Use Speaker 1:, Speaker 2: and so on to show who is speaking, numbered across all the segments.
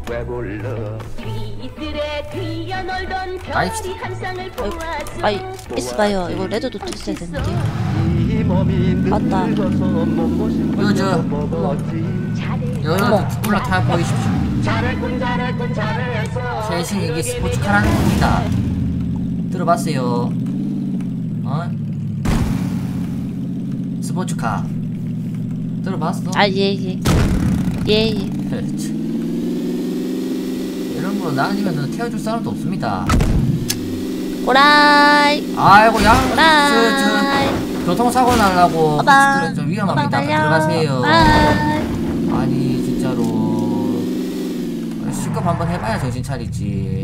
Speaker 1: 나이스.
Speaker 2: 아이 있어봐요. 이거 레드 도트 있어야 되는데. 맞다.
Speaker 1: 이거 저 여러분 올라타 보이십시오. 최신 이게 스포츠카라는 겁니다. 들어봤어요? 어? 스포츠카 들어봤어?
Speaker 2: 아 예예. 예예.
Speaker 1: 이런 거 나아니면 태워줄 사람도 없습니다.
Speaker 2: 오라이.
Speaker 1: 아이고 양
Speaker 2: 오라이.
Speaker 1: 교통사고 나려고
Speaker 2: 오빠.
Speaker 1: 좀 위험합니다.
Speaker 2: 오빠
Speaker 1: 들어가세요.
Speaker 2: 오라이.
Speaker 1: 아니 진짜로 C급 한번 해봐야 정신 차리지.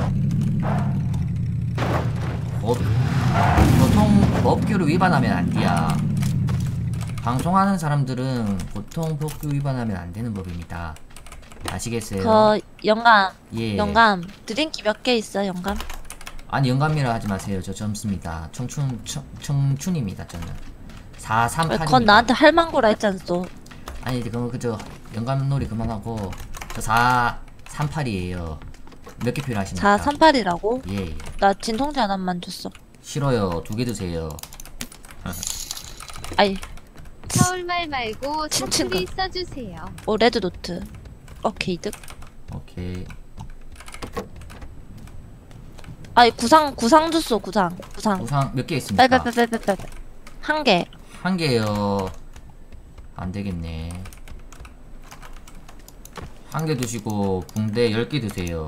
Speaker 1: 교통법규를 위반하면 안 돼야. 방송하는 사람들은 교통법규 위반하면 안 되는 법입니다. 아시겠어요?
Speaker 2: 영감.
Speaker 1: 예.
Speaker 2: 영감. 드링키 몇 개 있어 영감?
Speaker 1: 아니 영감이라 하지 마세요. 저 젊습니다. 청춘입니다. 저는 438입니다.
Speaker 2: 그건 나한테 할망구라 했잖소.
Speaker 1: 아니 그저 영감놀이 그만하고 저 438이에요. 몇 개 필요하십니까?
Speaker 2: 438이라고?
Speaker 1: 예.
Speaker 2: 나 진통제 하나만 줬어.
Speaker 1: 싫어요. 2개 드세요.
Speaker 2: 아이.
Speaker 3: 서울말 말고
Speaker 2: 친친가.
Speaker 3: 사투리 써주세요.
Speaker 2: 오 레드 노트. 오케이 득.
Speaker 1: 오케이.
Speaker 2: 아이 구상 줬어 구상.
Speaker 1: 우상 몇 개 있습니까?
Speaker 2: 빨빨빨빨빨. 한 개.
Speaker 1: 한 개요. 안 되겠네. 한 개 드시고 붕대 10개 드세요.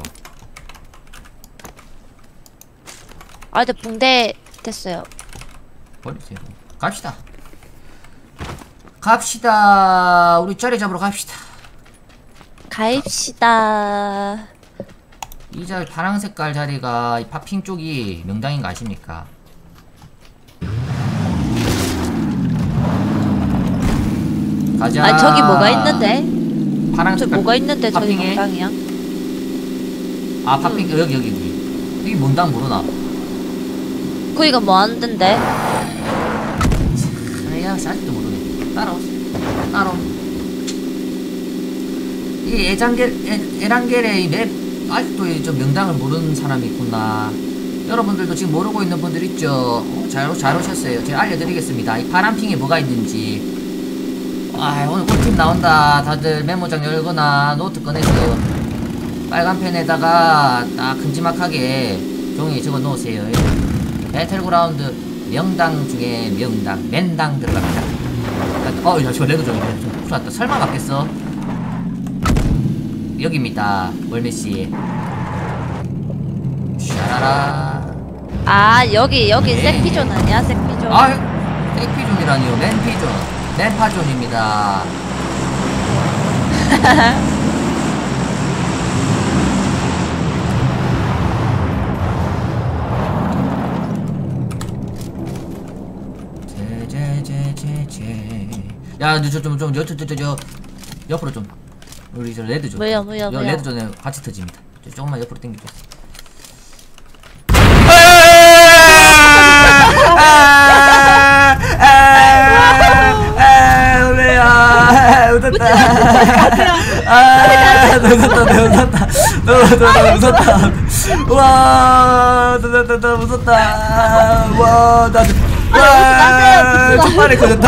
Speaker 2: 아 근데 붕대 됐어요.
Speaker 1: 버리세요. 갑시다. 갑시다. 우리 자리 잡으러 갑시다.
Speaker 2: 가입시다.
Speaker 1: 이 자리 파란 색깔 자리가 이 파핑 쪽이 명당인 거 아십니까? 가자.
Speaker 2: 아 저기 뭐가 있는데?
Speaker 1: 파란
Speaker 2: 저
Speaker 1: 색깔
Speaker 2: 뭐가 있는데 저기
Speaker 1: 파핑에?
Speaker 2: 명당이야?
Speaker 1: 아 파핑 여기 여기 뭔당 모르나?
Speaker 2: 거기가 뭐 하는데?
Speaker 1: 아야 아직도 모르네. 따라오. 이 에란겔의 이 맵 아직도 좀 명당을 모르는 사람이 있구나. 여러분들도 지금 모르고 있는 분들 있죠? 잘 오셨어요. 제가 알려드리겠습니다. 이 파란핑에 뭐가 있는지. 아 오늘 꿀팁 나온다. 다들 메모장 열거나 노트 꺼내서 빨간 펜에다가 딱 큼지막하게 종이에 적어 놓으세요. 배틀그라운드 명당 중에 명당 맨당 들어갑니다. 야 저 레드 좀 큰일 났다. 설마 맞겠어? 여기입니다. 월메씨. 샤라라.
Speaker 2: 아 여기
Speaker 1: 네.
Speaker 2: 색피존 아니야? 색피존.
Speaker 1: 아, 색피존이라니요. 맨피존. 맨파존입니다. 야, 저 옆으로 좀. 우리 저 레드 존.
Speaker 2: 뭐야.
Speaker 1: 레드 존에 같이 터집니다. 조금만 옆으로 당겨줘. 우리야 웃었다. 너 웃었다. 와, 너 웃었다. 와, 와, 정말에 커졌다.